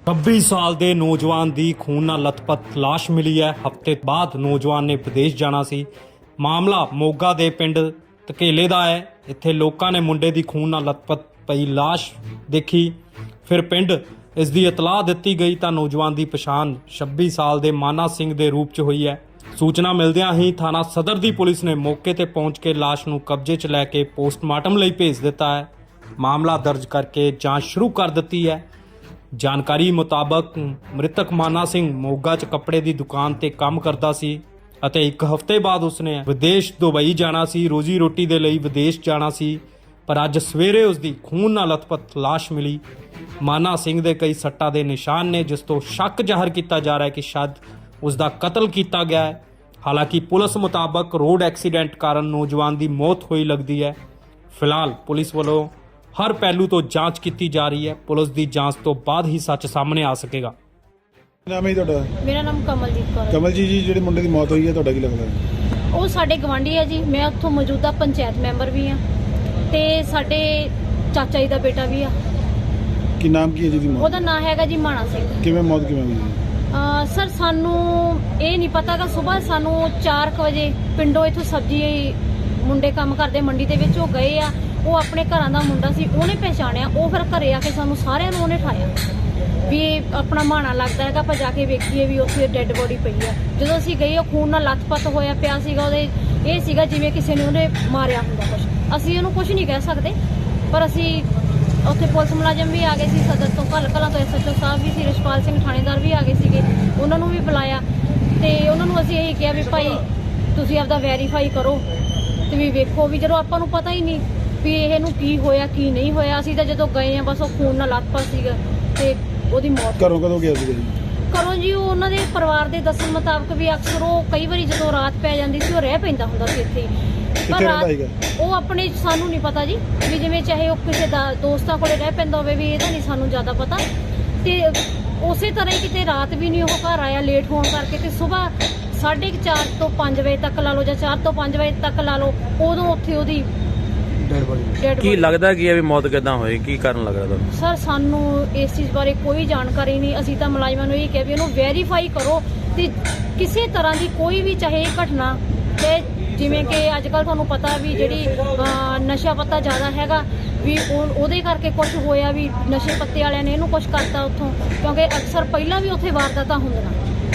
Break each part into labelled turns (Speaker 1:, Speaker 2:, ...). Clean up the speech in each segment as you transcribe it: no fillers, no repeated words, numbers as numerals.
Speaker 1: 26 ਸਾਲ ਦੇ ਨੌਜਵਾਨ ਦੀ ਖੂਨ ਨਾਲ ਲਥਪਥ ਲਾਸ਼ ਮਿਲੀ ਹੈ। ਹਫ਼ਤੇ ਬਾਅਦ ਨੌਜਵਾਨ ਨੇ ਵਿਦੇਸ਼ ਜਾਣਾ ਸੀ। ਮਾਮਲਾ ਮੋਗਾ ਦੇ ਪਿੰਡ ਧਕੇਲੇ ਦਾ ਹੈ। ਇੱਥੇ ਲੋਕਾਂ ਨੇ ਮੁੰਡੇ ਦੀ ਖੂਨ ਨਾਲ ਲਥਪਥ ਪਈ ਲਾਸ਼ ਦੇਖੀ। ਫਿਰ ਪਿੰਡ ਇਸ ਦੀ ਇਤਲਾਹ ਦਿੱਤੀ ਗਈ ਤਾਂ ਨੌਜਵਾਨ ਦੀ ਪਛਾਣ 26 ਸਾਲ ਦੇ ਮਾਨਾ ਸਿੰਘ ਦੇ ਰੂਪ 'ਚ ਹੋਈ ਹੈ। ਸੂਚਨਾ ਮਿਲਦਿਆਂ ਹੀ ਥਾਣਾ ਸਦਰ ਦੀ ਪੁਲਿਸ ਨੇ ਮੌਕੇ ਤੇ ਪਹੁੰਚ ਕੇ ਲਾਸ਼ ਨੂੰ ਕਬਜ਼ੇ 'ਚ ਲੈ ਕੇ ਪੋਸਟਮਾਰਟਮ ਲਈ ਭੇਜ ਦਿੱਤਾ ਹੈ। ਮਾਮਲਾ ਦਰਜ ਕਰਕੇ ਜਾਂਚ ਸ਼ੁਰੂ ਕਰ ਦਿੱਤੀ ਹੈ। ਜਾਣਕਾਰੀ ਮੁਤਾਬਕ ਮ੍ਰਿਤਕ ਮਾਨਾ ਸਿੰਘ ਮੋਗਾ 'ਚ ਕੱਪੜੇ ਦੀ ਦੁਕਾਨ ਤੇ ਕੰਮ ਕਰਦਾ ਸੀ ਅਤੇ ਇੱਕ ਹਫ਼ਤੇ ਬਾਅਦ ਉਸਨੇ ਵਿਦੇਸ਼ ਦੁਬਈ ਜਾਣਾ ਸੀ। ਰੋਜ਼ੀ ਰੋਟੀ ਦੇ ਲਈ ਵਿਦੇਸ਼ ਜਾਣਾ ਸੀ, ਪਰ ਅੱਜ ਸਵੇਰੇ ਉਸਦੀ ਖੂਨ ਨਾਲ ਲਥਪਥ ਲਾਸ਼ ਮਿਲੀ। ਮਾਨਾ ਸਿੰਘ ਦੇ ਕਈ ਸੱਟਾਂ ਦੇ ਨਿਸ਼ਾਨ ਨੇ, ਜਿਸ ਤੋਂ ਸ਼ੱਕ ਜ਼ਾਹਰ ਕੀਤਾ ਜਾ ਰਿਹਾ ਹੈ ਕਿ ਸ਼ਾਇਦ ਉਸ ਦਾ ਕਤਲ ਕੀਤਾ ਗਿਆ ਹੈ। ਹਾਲਾਂਕਿ ਪੁਲਿਸ ਮੁਤਾਬਕ ਰੋਡ ਐਕਸੀਡੈਂਟ ਕਾਰਨ ਨੌਜਵਾਨ ਦੀ ਮੌਤ ਹੋਈ ਲੱਗਦੀ ਹੈ। ਫਿਲਹਾਲ ਪੁਲਿਸ ਵੱਲੋਂ ਹਰ ਪਹਿਲੂ ਤੋਂ ਜਾਂਚ ਕੀਤੀ ਜਾ ਰਹੀ ਹੈ। ਪੁਲਿਸ ਦੀ ਜਾਂਚ ਤੋਂ ਬਾਅਦ ਹੀ ਸੱਚ ਸਾਹਮਣੇ ਆ ਸਕੇਗਾ।
Speaker 2: ਨਾਮ ਹੈ ਤੁਹਾਡਾ?
Speaker 3: ਮੇਰਾ ਨਾਮ ਕਮਲਜੀਤ ਕੌਰ ਹੈ।
Speaker 2: ਕਮਲਜੀਤ ਜੀ, ਜਿਹੜੇ ਮੁੰਡੇ ਦੀ ਮੌਤ ਹੋਈ ਹੈ ਤੁਹਾਡਾ ਕੀ ਲੱਗਦਾ ਹੈ?
Speaker 3: ਉਹ ਸਾਡੇ ਗਵਾਂਢੀ ਹੈ ਜੀ। ਮੈਂ ਉੱਥੋਂ ਮੌਜੂਦਾ ਪੰਚਾਇਤ ਮੈਂਬਰ ਵੀ ਹਾਂ ਤੇ ਸਾਡੇ ਚਾਚਾ ਜੀ ਦਾ ਬੇਟਾ ਵੀ ਆ।
Speaker 2: ਕੀ ਨਾਮ ਕੀ ਹੈ ਜੀ ਦੀ ਮੌਤ?
Speaker 3: ਉਹਦਾ ਨਾਮ ਹੈਗਾ ਜੀ ਮਾਣਾ ਸਿੰਘ।
Speaker 2: ਕਿਵੇਂ ਮੌਤ ਕਿਵੇਂ ਹੋਈ ਹੈ?
Speaker 3: ਸਰ ਸਾਨੂੰ ਇਹ ਨਹੀਂ ਪਤਾ ਕਿ ਸਵੇਰ ਸਾਨੂੰ 4 ਵਜੇ ਪਿੰਡੋਂ ਇੱਥੋਂ ਸਬਜ਼ੀ ਮੁੰਡੇ ਕੰਮ ਕਰਦੇ ਮੰਡੀ ਦੇ ਵਿੱਚ ਉਹ ਗਏ ਆ। ਉਹ ਆਪਣੇ ਘਰਾਂ ਦਾ ਮੁੰਡਾ ਸੀ, ਉਹਨੇ ਪਹਿਚਾਣਿਆ। ਉਹ ਫਿਰ ਘਰੇ ਆ ਕੇ ਸਾਨੂੰ ਸਾਰਿਆਂ ਨੂੰ ਉਹਨੇ ਠਾਇਆ ਵੀ ਇਹ ਆਪਣਾ ਮਾਣਾ ਲੱਗਦਾ ਹੈਗਾ, ਆਪਾਂ ਜਾ ਕੇ ਵੇਖੀਏ ਵੀ ਉੱਥੇ ਡੈੱਡ ਬੋਡੀ ਪਈ ਆ। ਜਦੋਂ ਅਸੀਂ ਗਏ ਉਹ ਖੂਨ ਨਾਲ ਲੱਥਪੱਥ ਹੋਇਆ ਪਿਆ ਸੀਗਾ। ਉਹਦੇ ਇਹ ਸੀਗਾ ਜਿਵੇਂ ਕਿਸੇ ਨੇ ਉਹਨੇ ਮਾਰਿਆ ਹੁੰਦਾ ਕੁਛ। ਅਸੀਂ ਉਹਨੂੰ ਕੁਛ ਨਹੀਂ ਕਹਿ ਸਕਦੇ, ਪਰ ਅਸੀਂ ਉੱਥੇ ਪੁਲਿਸ ਮੁਲਾਜ਼ਮ ਵੀ ਆ ਗਏ ਸੀ, ਸਦਰ ਤੋਂ ਕਲਾਂ ਤੋਂ SHO ਸਾਹਿਬ ਵੀ ਸੀ, ਰਿਸ਼ਪਾਲ ਸਿੰਘ ਥਾਣੇਦਾਰ ਵੀ ਆ ਗਏ ਸੀਗੇ। ਉਹਨਾਂ ਨੂੰ ਵੀ ਬੁਲਾਇਆ ਤੇ ਉਹਨਾਂ ਨੂੰ ਅਸੀਂ ਇਹੀ ਕਿਹਾ ਵੀ ਭਾਈ ਤੁਸੀਂ ਆਪਦਾ ਵੈਰੀਫਾਈ ਕਰੋ ਤੇ ਵੀ ਵੇਖੋ ਵੀ ਜਦੋਂ ਆਪਾਂ ਨੂੰ ਪਤਾ ਹੀ ਨਹੀਂ ਵੀ ਇਹਨੂੰ ਕੀ ਹੋਇਆ ਕੀ ਨਹੀਂ ਹੋਇਆ। ਅਸੀਂ ਤਾਂ ਜਦੋਂ ਗਏ ਆ ਬਸ ਉਹ ਖੂਨ ਨਾਲ ਲੱਥਪੱਥ ਸੀਗਾ ਤੇ ਉਹਦੀ ਮੌਤ।
Speaker 2: ਘਰੋਂ ਕਦੋਂ ਗਿਆ ਸੀਗਾ ਜੀ?
Speaker 3: ਘਰੋਂ ਜੀ ਉਹ ਉਹਨਾਂ ਦੇ ਪਰਿਵਾਰ ਦੇ ਦੱਸਣ ਮੁਤਾਬਕ ਵੀ ਅਕਸਰ ਉਹ ਕਈ ਵਾਰੀ ਜਦੋਂ ਰਾਤ ਪੈ ਜਾਂਦੀ ਸੀ ਉਹ ਰਹਿ ਪੈਂਦਾ ਹੁੰਦਾ ਸੀ ਇੱਥੇ
Speaker 2: ਕਿੱਥੇ ਰਹਿੰਦਾ ਹੈਗਾ?
Speaker 3: ਉਹ ਆਪਣੇ ਸਾਨੂੰ ਨਹੀਂ ਪਤਾ ਜੀ ਵੀ ਜਿਵੇਂ ਚਾਹੇ ਉਹ ਕਿਸੇ ਦਾ ਦੋਸਤਾਂ ਕੋਲੇ ਰਹਿ ਪੈਂਦਾ ਹੋਵੇ ਵੀ ਇਹਦਾ ਨਹੀਂ ਸਾਨੂੰ ਜ਼ਿਆਦਾ ਪਤਾ। ਤੇ ਉਸੇ ਤਰ੍ਹਾਂ ਹੀ ਕਿਤੇ ਰਾਤ ਵੀ ਨਹੀਂ ਉਹ ਘਰ ਆਇਆ ਲੇਟ ਹੋਣ ਕਰਕੇ ਤੇ ਸਵੇਰ 4:30 ਤੋਂ 5 ਵਜੇ ਤੱਕ ਲਾ ਲਓ ਜਾਂ 4 ਤੋਂ 5 ਵਜੇ ਤੱਕ ਲਾ ਲਓ, ਉਦੋਂ ਉੱਥੇ ਉਹਦੀ
Speaker 2: ਡੈਡ ਬੋਡੀ।
Speaker 4: ਕੀ ਲੱਗਦਾ ਕੀ ਹੈ ਵੀ ਮੌਤ ਕਿੱਦਾਂ ਹੋਈ? ਕੀ ਕਾਰਨ ਲੱਗ ਰਿਹਾ ਤੁਹਾਨੂੰ?
Speaker 3: ਸਰ ਸਾਨੂੰ ਇਸ ਚੀਜ਼ ਬਾਰੇ ਕੋਈ ਜਾਣਕਾਰੀ ਨਹੀਂ। ਅਸੀਂ ਤਾਂ ਮੁਲਾਜ਼ਮਾਂ ਨੂੰ ਇਹ ਕਿਹਾ ਵੀ ਇਹਨੂੰ ਵੈਰੀਫਾਈ ਕਰੋ ਤੇ ਕਿਸੇ ਤਰ੍ਹਾਂ ਦੀ ਕੋਈ ਵੀ ਚਾਹੇ ਘਟਨਾ ਤੇ ਜਿਵੇਂ ਕਿ ਅੱਜ ਕੱਲ੍ਹ ਤੁਹਾਨੂੰ ਪਤਾ ਵੀ ਜਿਹੜੀ ਨਸ਼ਾ ਪੱਤਾ ਜ਼ਿਆਦਾ ਹੈਗਾ ਵੀ ਉਹਦੇ ਕਰਕੇ ਕੁਝ ਹੋਇਆ ਵੀ ਨਸ਼ੇ ਪੱਤੇ ਵਾਲਿਆਂ ਨੇ ਇਹਨੂੰ ਕੁਝ ਕਰਤਾ ਉੱਥੋਂ, ਕਿਉਂਕਿ ਅਕਸਰ ਪਹਿਲਾਂ ਵੀ ਉੱਥੇ ਵਾਰਦਾਤਾਂ ਹੁੰਦੀਆਂ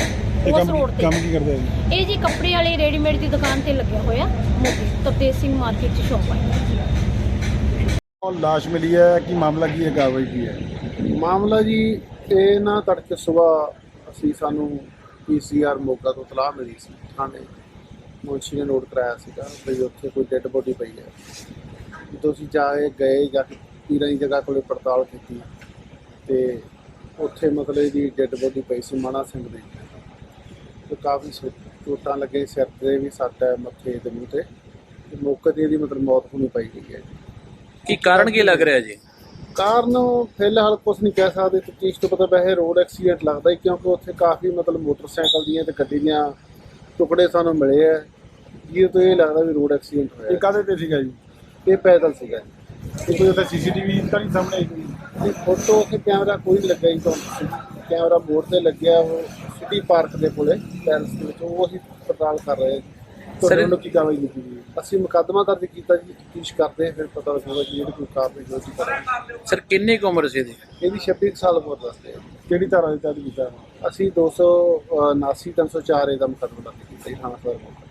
Speaker 3: ਉਸ ਰੋਡ ਤੇ।
Speaker 2: ਕੰਮ ਕੀ ਕਰਦੇ ਆ ਜੀ?
Speaker 3: ਇਹ ਜੀ ਕੱਪੜੇ ਵਾਲੇ ਰੈਡੀਮੇਡ ਦੀ ਦੁਕਾਨ ਤੇ ਲੱਗਿਆ ਹੋਇਆ ਮੋਦੀ ਤਪਤੇਜ ਸਿੰਘ ਮਾਰਕੀਟ 'ਚ ਸ਼ੌਪ ਹੈ।
Speaker 2: ਉਹ ਲਾਸ਼ ਮਿਲੀ ਹੈ, ਕੀ ਮਾਮਲਾ ਕੀ ਹੈ, ਕਾਰਵਾਈ ਕੀ ਹੈ?
Speaker 5: ਮਾਮਲਾ ਜੀ ਇਹ ਨਾ ਤੜਕੇ ਸਵੇਰ ਅਸੀਂ ਸਾਨੂੰ PCR ਮੋਗਾ ਤੋਂ ਇਤਲਾਹ ਮਿਲੀ ਸੀ। ਥਾਣੇ ਮੁਨਸ਼ੀ ਨੇ ਨੋਟ ਕਰਾਇਆ ਸੀਗਾ ਵੀ ਉੱਥੇ ਕੋਈ ਡੈੱਡ ਬੋਡੀ ਪਈ ਹੈ। ਜਦੋਂ ਅਸੀਂ ਜਾ ਕੇ ਪੀਰਾਂ ਦੀ ਜਗ੍ਹਾ ਕੋਲੇ ਪੜਤਾਲ ਕੀਤੀ ਤੇ ਉੱਥੇ ਮਤਲਬ ਇਹਦੀ ਡੈੱਡ ਬੋਡੀ ਪਈ ਸੀ ਮਾਣਾ ਸਿੰਘ ਦੀ। ਤੇ ਕਾਫੀ ਚੋਟਾਂ ਲੱਗੇ, ਸਿਰ ਤੇ ਵੀ ਸੱਟ ਹੈ, ਮੱਥੇ ਤੇ ਮੂੰਹ ਤੇ ਮੌਕੇ ਤੇ ਇਹਦੀ ਮਤਲਬ ਮੌਤ ਹੋਣੀ ਪਈ ਗਈ ਹੈ।
Speaker 4: ਕੀ ਕਾਰਨ ਕੀ ਲੱਗ ਰਿਹਾ ਜੀ?
Speaker 5: ਕਾਰਨ ਫਿਲਹਾਲ ਕੁਛ ਨਹੀਂ ਕਹਿ ਸਕਦੇ। ਤਫਤੀਸ਼ ਤੋਂ ਪਤਾ ਵੈਸੇ ਰੋਡ ਐਕਸੀਡੈਂਟ ਲੱਗਦਾ ਹੀ, ਕਿਉਂਕਿ ਉੱਥੇ ਕਾਫੀ ਮਤਲਬ ਮੋਟਰਸਾਈਕਲ ਦੀਆਂ ਤੇ ਗੱਡੀ ਦੀਆਂ ਟੁਕੜੇ ਸਾਨੂੰ ਮਿਲੇ ਹੈ, ਜਿਹਦੇ ਤੋਂ ਇਹ ਲੱਗਦਾ ਵੀ ਰੋਡ ਐਕਸੀਡੈਂਟ ਹੋਇਆ।
Speaker 2: ਇਹ ਕਾਹਦੇ ਤੇ ਸੀਗਾ ਜੀ?
Speaker 5: ਇਹ ਪੈਦਲ ਸੀਗਾ।
Speaker 2: ਇਹ ਕੋਈ ਉੱਥੇ CCTV ਤਾਂ ਨਹੀਂ ਸਾਹਮਣੇ ਆਈ?
Speaker 5: ਇਹ ਫੋਟੋ ਉੱਥੇ ਕੈਮਰਾ ਕੋਈ ਨਹੀਂ ਲੱਗਾ ਜੀ। ਤੁਹਾਨੂੰ ਕੈਮਰਾ ਮੋੜ ਤੇ ਲੱਗਿਆ ਉਹ ਸਿਟੀ ਪਾਰਕ ਦੇ ਕੋਲੇ ਪੈਲਸ ਦੇ ਵਿੱਚ, ਉਹ ਅਸੀਂ ਪੜਤਾਲ ਕਰ ਰਹੇ ਹਾਂ।
Speaker 2: ਤੁਹਾਡੇ ਵੱਲੋਂ ਕੀ ਕਾਰਵਾਈ ਕੀਤੀ ਗਈ?
Speaker 5: ਅਸੀਂ ਮੁਕੱਦਮਾ ਦਰਜ ਕੀਤਾ ਜੀ, ਤਫਤੀਸ਼ ਕਰਦੇ ਫਿਰ ਪਤਾ ਲੱਗੂਗਾ ਜੀ ਜਿਹੜੀ ਕੋਈ ਕਾਰਵਾਈ ਹੋਈ ਕਰਾਂਗੇ।
Speaker 4: ਸਰ ਕਿੰਨੀ ਕੁ ਉਮਰ ਸੀ ਇਹਦੀ?
Speaker 5: ਇਹਦੀ 26 ਸਾਲ ਉਮਰ ਦੱਸਦੇ ਆ।
Speaker 2: ਕਿਹੜੀ ਧਾਰਾ ਦੇ ਤਹਿਤ ਕੀਤਾ?
Speaker 5: ਅਸੀਂ 279 304 ਦਾ ਮੁਕੱਦਮਾ ਦਰਜ ਕੀਤਾ ਜੀ ਥਾਣਾ ਸਦਰ।